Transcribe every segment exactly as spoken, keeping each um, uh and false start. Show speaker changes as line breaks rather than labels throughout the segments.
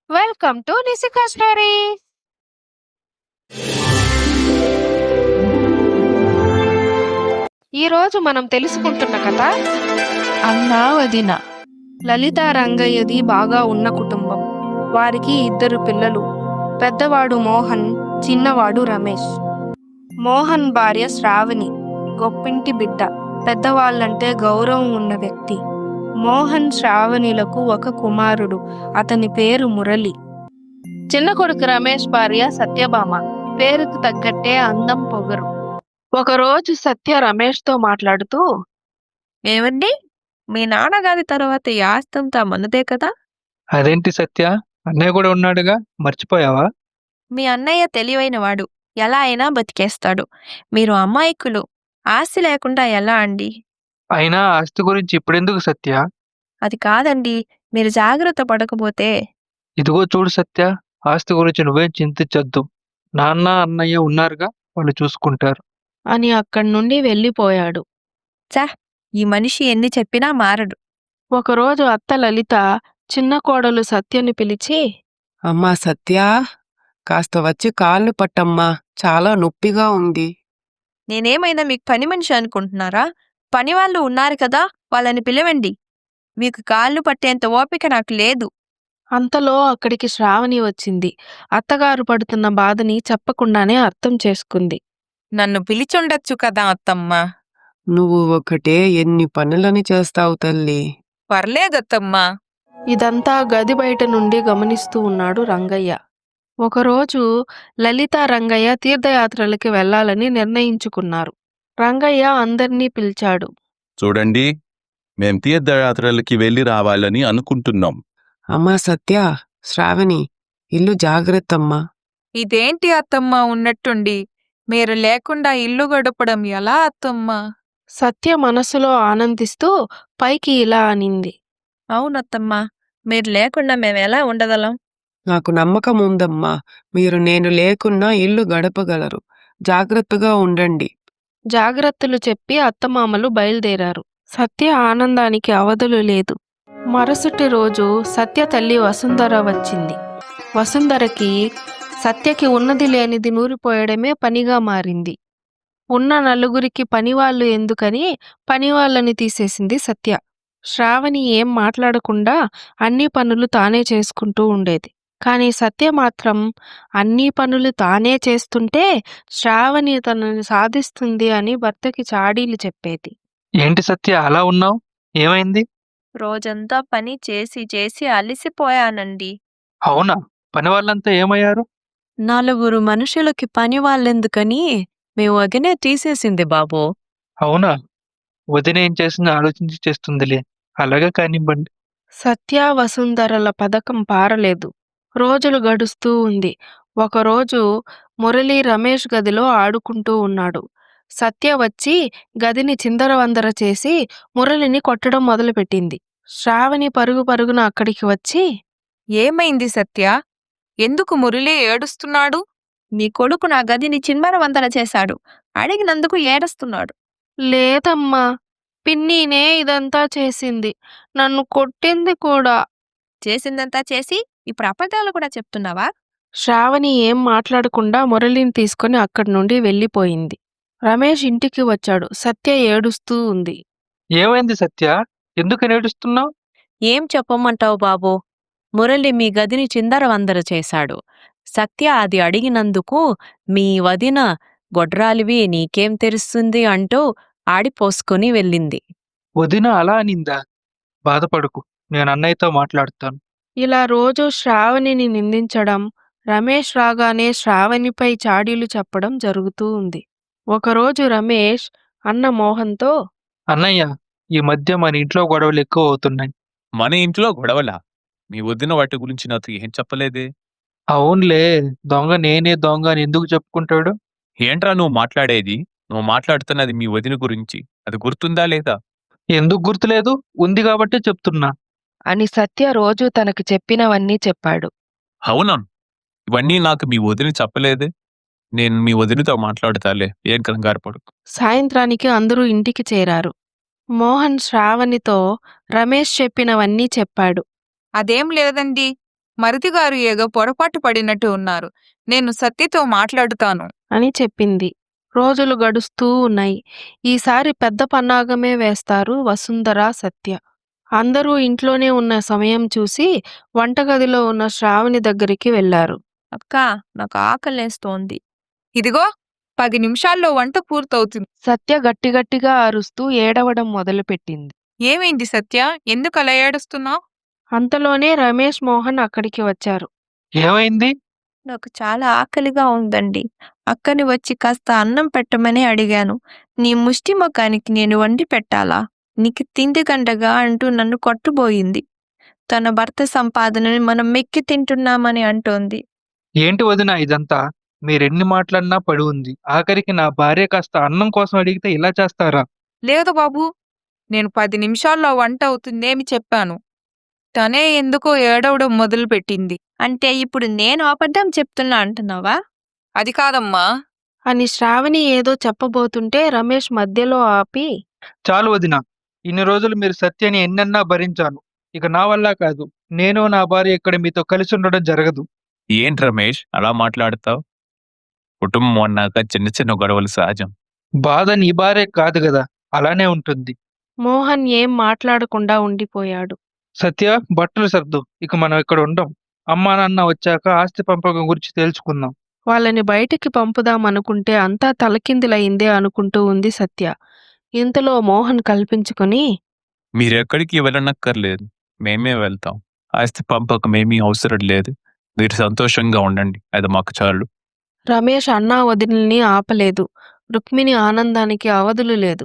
Welcome to నిశికా story. ఈరోజు మనం తెలుసుకుంటున్న కథ అన్నా వదిన. లలిత రంగయ్యది బాగా ఉన్న కుటుంబం. వారికి ఇద్దరు పిల్లలు. పెద్దవాడు మోహన్, చిన్నవాడు రమేష్. మోహన్ భార్య శ్రావణి, గొప్పింటి బిడ్డ, పెద్దవాళ్ళంటే గౌరవం ఉన్న వ్యక్తి. మోహన్ శ్రావణిలకు ఒక కుమారుడు, అతని పేరు మురళి. చిన్న కొడుకు రమేష్ భార్య సత్యభామ, పేరుకు తగ్గట్టే అందం పొగరు. ఒకరోజు సత్య రమేష్ తో మాట్లాడుతూ,
ఏమండి, మీ నాన్నగారి తర్వాత ఈ ఆస్తంతా మనదే కదా?
అదేంటి సత్య, అన్నయ్య కూడా ఉన్నాడుగా, మర్చిపోయావా?
మీ అన్నయ్య తెలివైనవాడు, ఎలా అయినా బతికేస్తాడు. మీరు అమాయకులు, ఆస్తి లేకుండా ఎలా అండి?
అయినా ఆస్తి గురించి ఇప్పుడెందుకు సత్య?
అది కాదండి, మీరు జాగ్రత్త పడకపోతే.
ఇదిగో చూడు సత్య, ఆస్తి గురించి నువ్వేం చింతించొద్దు. నాన్న అన్నయ్య ఉన్నారుగా, వాళ్ళు చూసుకుంటారు
అని అక్కడి నుండి వెళ్ళిపోయాడు.
చా, ఈ మనిషి ఎన్ని చెప్పినా మారడు.
ఒకరోజు అత్త లలిత చిన్న కోడలు సత్యని పిలిచి,
అమ్మా సత్య, కాస్త వచ్చి కాళ్ళు పట్టమ్మా, చాలా నొప్పిగా ఉంది.
నేనేమైనా మీకు పని మనిషి అనుకుంటున్నారా? పని వాళ్ళు ఉన్నారు కదా, వాళ్ళని పిలవండి. మీకు కాళ్ళు పట్టేంత ఓపిక నాకు లేదు.
అంతలో అక్కడికి శ్రావణి వచ్చింది. అత్తగారు పడుతున్న బాధని చెప్పకుండానే అర్థం చేసుకుంది.
నన్ను పిలిచుండొచ్చు కదా అత్తమ్మ.
నువ్వు ఒకటే ఎన్ని పనులని చేస్తావు తల్లి.
పర్లేదత్తమ్మా.
ఇదంతా గది బయట నుండి గమనిస్తూ ఉన్నాడు రంగయ్య. ఒకరోజు లలిత రంగయ్య తీర్థయాత్రలకి వెళ్లాలని నిర్ణయించుకున్నారు. రంగయ్య అందర్నీ పిలిచాడు.
చూడండి, మేం తీర్థయాత్రలకి వెళ్ళి రావాలని అనుకుంటున్నాం.
అమ్మా సత్య, శ్రావణి, ఇల్లు జాగ్రత్తమ్మా.
ఇదేంటి అత్తమ్మ ఉన్నట్టుండి, మీరు లేకుండా ఇల్లు గడపడం ఎలా అత్తమ్మా?
సత్య మనసులో ఆనందిస్తూ పైకి ఇలా అనింది.
అవునత్తమ్మా, మీరు లేకుండా మేమెలా ఉండగలం?
నాకు నమ్మకం ఉందమ్మా, మీరు నేను లేకున్నా ఇల్లు గడపగలరు. జాగ్రత్తగా ఉండండి.
జాగ్రత్తలు చెప్పి అత్తమామలు బయలుదేరారు. సత్య ఆనందానికి అవధులు లేదు. మరుసటి రోజు సత్య తల్లి వసుంధర వచ్చింది. వసుంధరకి సత్యకి ఉన్నది లేనిది నూరిపోయడమే పనిగా మారింది. ఉన్న నలుగురికి పనివాళ్ళు ఎందుకని పనివాళ్ళని తీసేసింది సత్య. శ్రావణి ఏం మాట్లాడకుండా అన్ని పనులు తానే చేసుకుంటూ ఉండేది. కానీ సత్య మాత్రం అన్ని పనులు తానే చేస్తుంటే శ్రావణి తనని సాధిస్తుంది అని భర్తకి చాడీలు చెప్పేది.
ఏంటి సత్య అలా ఉన్నావు, ఏమైంది?
రోజంతా పని చేసి చేసి అలిసిపోయానండి.
అవునా, పని వాళ్ళంతా ఏమయ్యారు?
నలుగురు మనుషులకి పని వాళ్ళెందుకని మీ వదినే తీసేసింది బాబు.
అవునా, వదిన ఏం చేసిందో ఆలోచించి చేస్తుందిలే, అలాగే కానివ్వండి.
సత్య వసుంధరల పథకం పారలేదు. రోజులు గడుస్తూ ఉంది. ఒకరోజు మురళి రమేష్ గదిలో ఆడుకుంటూ ఉన్నాడు. సత్య వచ్చి గదిని చిందరవందర చేసి మురళిని కొట్టడం మొదలుపెట్టింది. శ్రావణి పరుగు పరుగున అక్కడికి వచ్చి,
ఏమైంది సత్య? ఎందుకు మురళి ఏడుస్తున్నాడు? నీ కొడుకు నా గదిని చిన్మరవందర చేశాడు, అడిగినందుకు ఏడుస్తున్నాడు.
లేదమ్మా, పిన్నీనే ఇదంతా చేసింది, నన్ను కొట్టింది కూడా.
చేసిందంతా చేసి ఇప్పుడు అబద్ధాలు కూడా చెప్తున్నావా?
శ్రావణి ఏం మాట్లాడకుండా మురళిని తీసుకుని అక్కడి నుండి వెళ్ళిపోయింది. రమేష్ ఇంటికి వచ్చాడు. సత్య ఏడుస్తూ ఉంది.
ఏమైంది సత్య, ఎందుకు ఏడుస్తున్నావు?
ఏం చెప్పమంటావు బాబు? మురళి మీ గదిని చిందరవందర చేశాడు. సత్య అది అడిగినందుకు మీ వదిన గొడ్రాలివి నీకేం తెలుస్తుంది అంటూ ఆడిపోసుకుని వెళ్ళింది.
వదిన అలా అనిందా? బాధపడుకు, నేను అన్నయ్యతో మాట్లాడుతాను.
ఇలా రోజు శ్రావణిని నిందించడం, రమేష్ రాగానే శ్రావణిపై చాడీలు చెప్పడం జరుగుతూ ఉంది. ఒకరోజు రమేష్ అన్న మోహన్తో,
అన్నయ్య, ఈ మధ్య మన ఇంట్లో గొడవలు ఎక్కువ అవుతున్నాయి.
మన ఇంట్లో గొడవలా? మీ వదిన వాటి గురించి నాతో ఏం చెప్పలేదే.
అవునులే, దొంగ నేనే దొంగ అని ఎందుకు చెప్పుకుంటాడు?
ఏంట్రా నువ్వు మాట్లాడేది? నువ్వు మాట్లాడుతున్నది మీ వదిన గురించి, అది గుర్తుందా లేదా?
ఎందుకు గుర్తులేదు, ఉంది కాబట్టే చెప్తున్నా.
అని సత్య రోజు తనకు చెప్పినవన్నీ చెప్పాడు.
అవునా, ఇవన్నీ నాకు మీ వదిన చెప్పలేదే. నేను మీ వదినతో మాట్లాడతాలే, ఏం కంగారు పడుకు.
సాయంత్రానికి అందరూ ఇంటికి చేరారు. మోహన్ శ్రావణితో రమేష్ చెప్పినవన్నీ చెప్పాడు.
అదేం లేదండి,
మరిదిగారు ఏదో పొరపాటు పడినట్టు ఉన్నారు. నేను సత్యతో మాట్లాడుతాను.
అని చెప్పింది. రోజులు గడుస్తూ ఉన్నాయి. ఈసారి పెద్ద పన్నాగమే వేస్తారు వసుంధర, సత్య. అందరూ ఇంట్లోనే ఉన్న సమయం చూసి వంటగదిలో ఉన్న శ్రావణి దగ్గరికి వెళ్లారు.
అక్కా, నాకు ఆకలేస్తోంది.
ఇదిగో పది నిమిషాల్లో వంట పూర్తవుతుంది.
సత్య గట్టిగట్టిగా అరుస్తూ ఏడవడం మొదలుపెట్టింది.
ఏమైంది సత్య? ఎందుకు అలా ఏడుస్తున్నావు?
అంతలోనే రమేష్, మోహన్ అక్కడికి వచ్చారు.
ఏమైంది?
నాకు చాలా ఆకలిగా ఉందండి. అక్కని వచ్చి కాస్త అన్నం పెట్టమని అడిగాను. నీ ముష్టి ముఖానికి నేను వండి పెట్టాలా? నీకు తిండి గంటగా అంటూ నన్ను కొట్టుబోయింది. తన భర్త సంపాదనని మనం మెక్కి తింటున్నామని అంటోంది.
ఏంటి వదినా ఇదంతా? మీరెన్ని మాట్లాడినా పడి ఉంది. ఆఖరికి నా భార్య కాస్త అన్నం కోసం అడిగితే ఇలా చేస్తారా?
లేదు బాబు, నేను పది నిమిషాల్లో వంట అవుతుందేమి చెప్పాను. తనే ఎందుకో ఏడవడం మొదలుపెట్టింది.
అంటే ఇప్పుడు నేను అబద్ధం చెప్తున్నా అంటున్నావా?
అది కాదమ్మా.
అని శ్రావణి ఏదో చెప్పబోతుంటే రమేష్ మధ్యలో ఆపి,
చాలు వదినా. ఇన్ని రోజులు మీరు సత్యని ఎన్నన్నా భరించాను. ఇక నా వల్ల కాదు. నేను నా భార్య ఇక్కడ మీతో కలిసి ఉండడం జరగదు.
ఏంటి రమేష్ అలా మాట్లాడతావు? కుటుంబం అన్నాక చిన్న చిన్న గొడవలు సహజం.
బాధ నీ భార్య కాదు కదా, అలానే ఉంటుంది.
మోహన్ ఏం మాట్లాడకుండా ఉండిపోయాడు.
సత్య, బట్టలు సర్దు. ఇక మనం ఇక్కడ ఉండం. అమ్మా నాన్న వచ్చాక ఆస్తి పంపకం గురించి తేల్చుకుందాం.
వాళ్ళని బయటికి పంపుదామనుకుంటే అంతా తలకిందులయిందే అనుకుంటూ ఉంది సత్య. ఇంతలో మోహన్ కల్పించుకుని,
మీరెక్కడికి వెళ్ళనక్కర్లేదు, మేమే వెళ్తాం. ఆస్తి పంపకం ఏమీ అవసరం లేదు. మీరు సంతోషంగా ఉండండి, అది మాకు చాలు.
రమేష్ అన్నా వదినల్ని ఆపలేదు. రుక్మిణి ఆనందానికి అవధులు లేదు.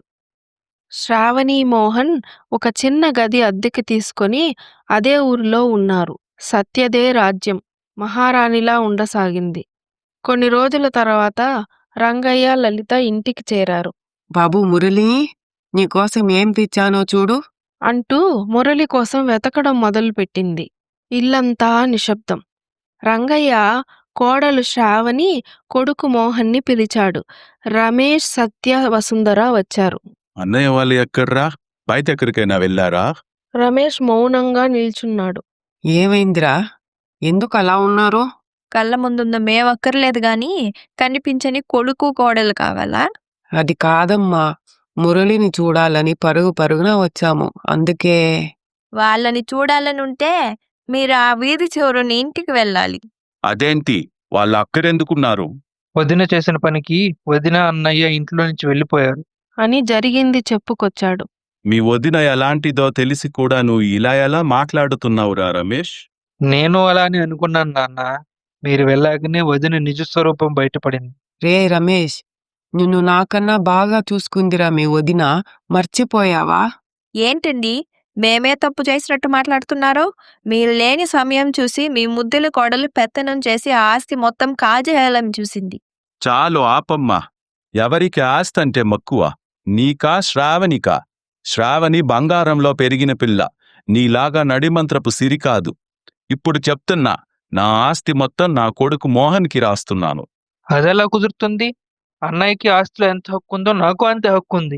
శ్రావణి, మోహన్ ఒక చిన్న గది అద్దెకి తీసుకొని అదే ఊరిలో ఉన్నారు. సత్యదే రాజ్యం మహారాణిలా ఉండసాగింది. కొన్ని రోజుల తర్వాత రంగయ్య, లలిత ఇంటికి చేరారు.
బాబు మురళి, నీకోసం ఏం తెచ్చానో చూడు.
అంటూ మురళి కోసం వెతకడం మొదలుపెట్టింది. ఇల్లంతా నిశ్శబ్దం. రంగయ్య కోడలు శ్రావణి, కొడుకు మోహన్ని పిలిచాడు. రమేష్, సత్య, వసుంధర వచ్చారు.
అన్నయ్య వాళ్ళు ఎక్కడ్రా? బయట ఎక్కడికైనా వెళ్ళారా?
రమేష్ మౌనంగా నిల్చున్నాడు.
ఏమైందిరా? ఎందుకు అలా ఉన్నారు?
కళ్ళ ముందున్న మేమక్కర్లేదు గాని కనిపించని కొడుకు కోడలు కావాలా?
అది కాదమ్మా, మురళిని చూడాలని పరుగు పరుగున వచ్చాము, అందుకే.
వాళ్ళని చూడాలనుంటే మీరు ఆ వీధి చివరుని ఇంటికి వెళ్ళాలి.
అదేంటి, వాళ్ళు అక్కడెందుకున్నారు?
వదిన చేసిన పనికి వదిన, అన్నయ్య ఇంట్లో నుంచి వెళ్ళిపోయారు.
అని జరిగింది చెప్పుకొచ్చాడు.
మీ వదిన ఎలాంటిదో తెలిసి కూడా నువ్వు ఇలా ఎలా మాట్లాడుతున్నావురా రమేష్?
నేను అలానే అనుకున్నాను నాన్న. మీరు వెళ్ళాకనే వదిన నిజస్వరూపం బయటపడింది.
రే రమేష్, నిన్ను నాకన్నా బాగా చూసుకుందిరా మీ వదిన, మర్చిపోయావా?
ఏంటండి మేమే తప్పు చేసినట్టు మాట్లాడుతున్నారో? మీరు లేని సమయం చూసి మీ ముద్దుల కోడలు పెత్తనం చేసి ఆ ఆస్తి మొత్తం కాజేయాలని చూసింది.
చాలు ఆపమ్మా. ఎవరికి ఆస్తంటే మక్కువ? నీకా, శ్రావణికా? శ్రావణి బంగారంలో పెరిగిన పిల్ల, నీలాగా నడిమంత్రపు సిరి కాదు. ఇప్పుడు చెప్తున్నా, నా ఆస్తి మొత్తం నా కొడుకు మోహన్కి రాస్తున్నాను.
అదెలా కుదురుతుంది? అన్నయ్యకి ఆస్తిలో ఎంత హక్కు ఉందో నాకు అంతే హక్కు ఉంది.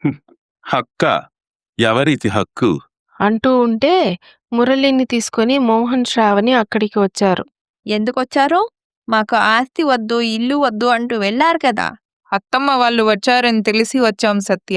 హక్క? ఎవరిది హక్కు?
అంటూ ఉంటే మురళిని తీసుకొని మోహన్, శ్రావణి అక్కడికి వచ్చారు.
ఎందుకొచ్చారు? మాకు ఆస్తి వద్దు, ఇల్లు వద్దు అంటూ వెళ్ళారు కదా.
అత్తమ్మ వాళ్ళు వచ్చారని తెలిసి వచ్చాం సత్య.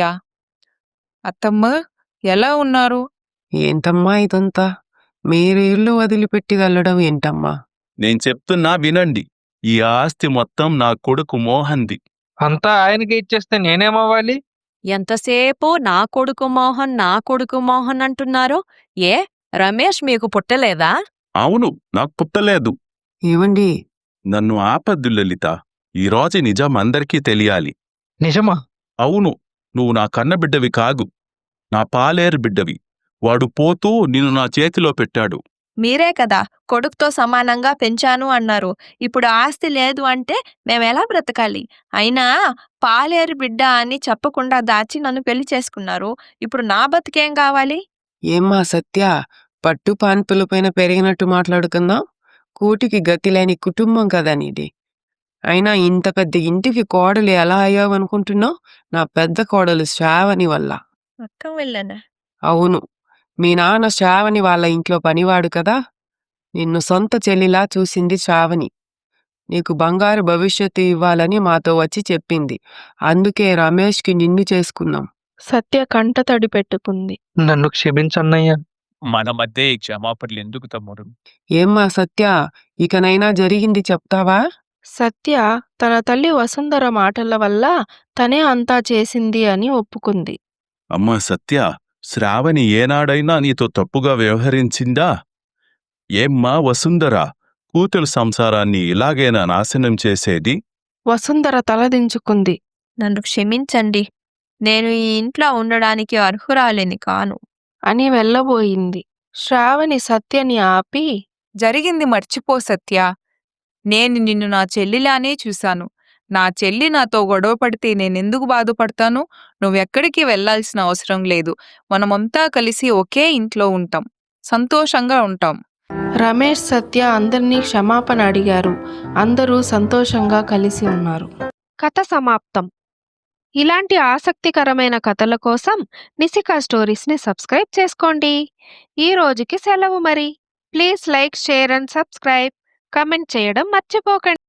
అత్తమ్మ ఎలా ఉన్నారు?
ఏంటమ్మా ఇదంతా? మీరు ఇల్లు వదిలిపెట్టి వెళ్ళడం ఏంటమ్మా?
నేను చెప్తున్నా వినండి. ఈ ఆస్తి మొత్తం నా కొడుకు మోహన్ది.
అంతా ఆయనకి ఇచ్చేస్తే నేనేమవ్వాలి?
ఎంతసేపు నా కొడుకు మోహన్, నా కొడుకు మోహన్ అంటున్నారు? ఏ రమేష్ మీకు పుట్టలేదా?
అవును, నాకు పుట్టలేదు.
ఏమండి?
నన్ను ఆపద్దు లలిత. ఈరోజు నిజం అందరికీ తెలియాలి.
నిజమా?
అవును, నువ్వు నా కన్నబిడ్డవి కాదు, నా పాలేరు బిడ్డవి. వాడు పోతూ నిన్ను నా చేతిలో పెట్టాడు.
మీరే కదా కొడుకుతో సమానంగా పెంచాను అన్నారు. ఇప్పుడు ఆస్తి లేదు అంటే మేమెలా బ్రతకాలి? అయినా పాలేరు బిడ్డ అని చెప్పకుండా దాచి నన్ను పెళ్లి చేసుకున్నారు. ఇప్పుడు నా బతికేం కావాలి?
ఏమ్మా సత్య, పట్టు పాన్పులపైన పెరిగినట్టు మాట్లాడుకుందాం. కూటికి గతిలేని కుటుంబం కదా నీది. అయినా ఇంత పెద్ద ఇంటికి కోడలు ఎలా అయ్యావనుకుంటున్నావు? నా పెద్ద కోడలు శ్రావణి వల్ల.
అక్క వెళ్ళనా?
అవును, మీ నాన్న శ్రావణి వాళ్ళ ఇంట్లో పనివాడు కదా. నిన్ను సొంత చెల్లిలా చూసింది శ్రావణి. నీకు బంగారు భవిష్యత్తు ఇవ్వాలని మాతో వచ్చి చెప్పింది. అందుకే రమేష్‌కి నిన్ను చేసుకున్నాం.
సత్య కంటతడి పెట్టుకుంది.
నన్ను క్షమించన్నయ్య.
మన మధ్య ఈ క్షమాపణలు ఎందుకు తమ్ముడు?
ఏమ్మా సత్య, ఇకనైనా జరిగింది చెప్తావా?
సత్య తన తల్లి వసుంధర మాటల వల్ల తనే అంతా చేసింది అని ఒప్పుకుంది.
అమ్మా సత్య, శ్రావణి ఏనాడైనా నీతో తప్పుగా వ్యవహరించిందా? ఏమ్మా వసుంధర, కూతురు సంసారాన్ని ఇలాగేనా నాశనం చేసేది?
వసుంధర తలదించుకుంది.
నన్ను క్షమించండి. నేను ఈ ఇంట్లో ఉండడానికి అర్హురాలిని కాను.
అని వెళ్ళబోయింది. శ్రావణి సత్యని ఆపి,
జరిగింది మర్చిపో సత్య. నేను నిన్ను నా చెల్లిలానే చూశాను. నా చెల్లి నాతో గొడవ పడితే నేనెందుకు బాధపడతాను? నువ్వెక్కడికి వెళ్లాల్సిన అవసరం లేదు. మనమంతా కలిసి ఒకే ఇంట్లో ఉంటాం. సంతోషంగా ఉంటాం.
రమేష్ సత్య అందరినీ క్షమాపణ అడిగారు. అందరూ సంతోషంగా కలిసి ఉన్నారు. కథ సమాప్తం. ఇలాంటి ఆసక్తికరమైన కథల కోసం నిశికా స్టోరీస్ని సబ్స్క్రైబ్ చేసుకోండి. ఈ రోజుకి సెలవు మరి. Please like, share and subscribe. Comment చేయడం మర్చిపోకండి.